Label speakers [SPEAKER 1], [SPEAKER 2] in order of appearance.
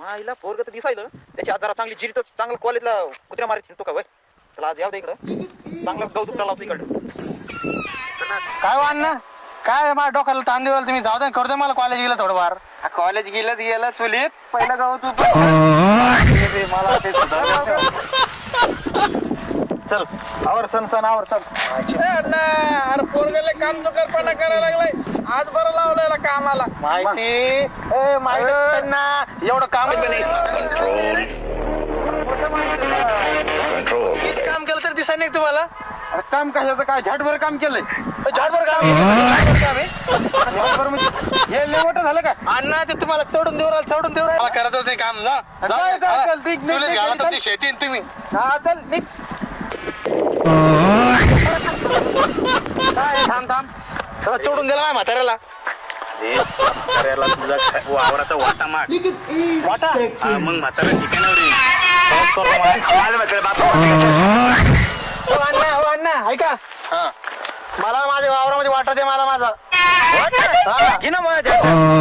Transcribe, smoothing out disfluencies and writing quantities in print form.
[SPEAKER 1] आईला पोरग तर दिसायलं त्याची आज जरा चांगली जिरीत चांगलं कॉलेजला कुत्र्या मारीत तो का वय चला आज याव दे इकडं चांगलं कौतुक लावतो इकडं.
[SPEAKER 2] काय अण्णा काय माझ्या डोक्याला ताण देवाल तुम्ही जाऊ दे करू दे मला कॉलेज गेलं थोडंफार.
[SPEAKER 1] कॉलेज गेलं चुलीत पहिलं गाव तू
[SPEAKER 2] मला ते
[SPEAKER 1] चल आवर सण आवर चल.
[SPEAKER 3] अरे पोरगेले काम चुकारपणा करायला लागलाय आज बरं लावलेला कामाला
[SPEAKER 2] माहिती माहिती ना एवढं काम किती काम केलं तर दिसाय नाही तुम्हाला.
[SPEAKER 1] काम कशाचं काय झाडभर काम केलंय
[SPEAKER 2] झाडभर काम आहे
[SPEAKER 1] झाडभर म्हणजे हे लेवट झालं का
[SPEAKER 2] अण्णा ते तुम्हाला चढून देऊ राहिलं चढून देऊ राहिलं करतच नाही काम जा
[SPEAKER 1] काय चल
[SPEAKER 2] चुलीत घाला तुमची शेती आहे तुम्ही.
[SPEAKER 1] हा चल निघ.
[SPEAKER 2] थांब थांब सगळं चढून दिला माझ्या म्हाताऱ्याला.
[SPEAKER 4] तुझा वावराचा वाटा माग
[SPEAKER 2] वाटा
[SPEAKER 4] मग म्हातारा ठिकाणावर
[SPEAKER 2] हो अण्णा ऐका मला माझ्या वावरामध्ये वाटा दे मला माझा
[SPEAKER 1] घे ना माझ्या